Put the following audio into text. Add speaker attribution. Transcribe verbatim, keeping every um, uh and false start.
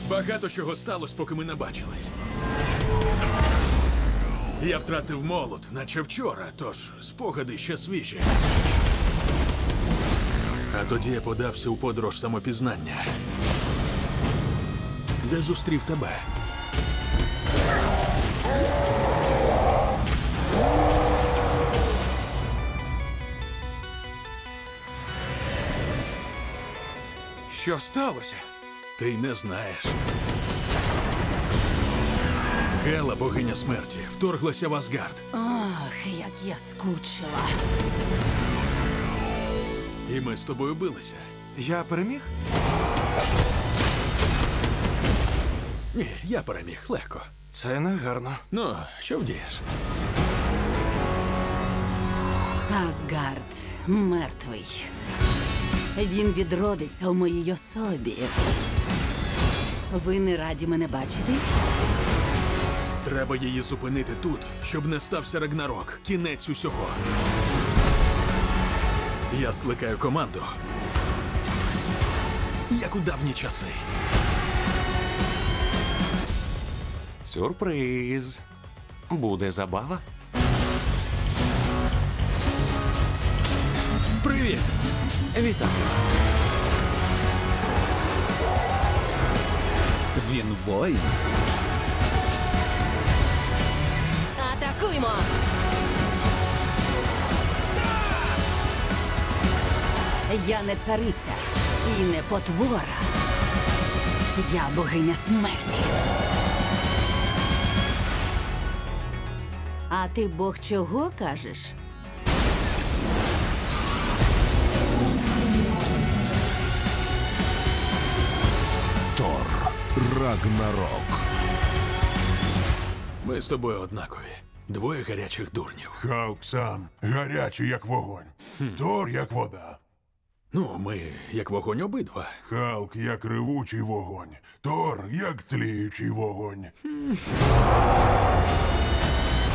Speaker 1: Багато чого сталося, поки ми не бачились. Я втратив молот, наче вчора, тож спогади ще свіжі. А тоді я подався у подорож самопізнання, де зустрів тебе.
Speaker 2: Що сталося?
Speaker 1: Ти й не знаєш. Гела, богиня смерті, вторглася в Асгард.
Speaker 3: Ах, як я скучила.
Speaker 1: І ми з тобою билися.
Speaker 2: Я переміг?
Speaker 1: Ні, я переміг легко.
Speaker 2: Це не гарно.
Speaker 1: Ну, що вдієш?
Speaker 3: Асгард мертвий. Він відродиться у моїй особі. Ви не раді мене бачити?
Speaker 1: Треба її зупинити тут, щоб не стався Рагнарок. Кінець усього. Я скликаю команду. Як у давні часи.
Speaker 4: Сюрприз. Буде забава.
Speaker 1: Привіт!
Speaker 4: Вітаю. Він воїн.
Speaker 3: Атакуймо! Я не цариця і не потвора. Я богиня смерті. А ти бог чого кажеш?
Speaker 5: Тор Рагнарок.
Speaker 1: Ми з тобою однакові. Двоє гарячих дурнів.
Speaker 5: Халк сам гарячий, як вогонь. Тор, як вода.
Speaker 1: Ну, ми як вогонь обидва.
Speaker 5: Халк, як ревучий вогонь. Тор, як тліючий вогонь.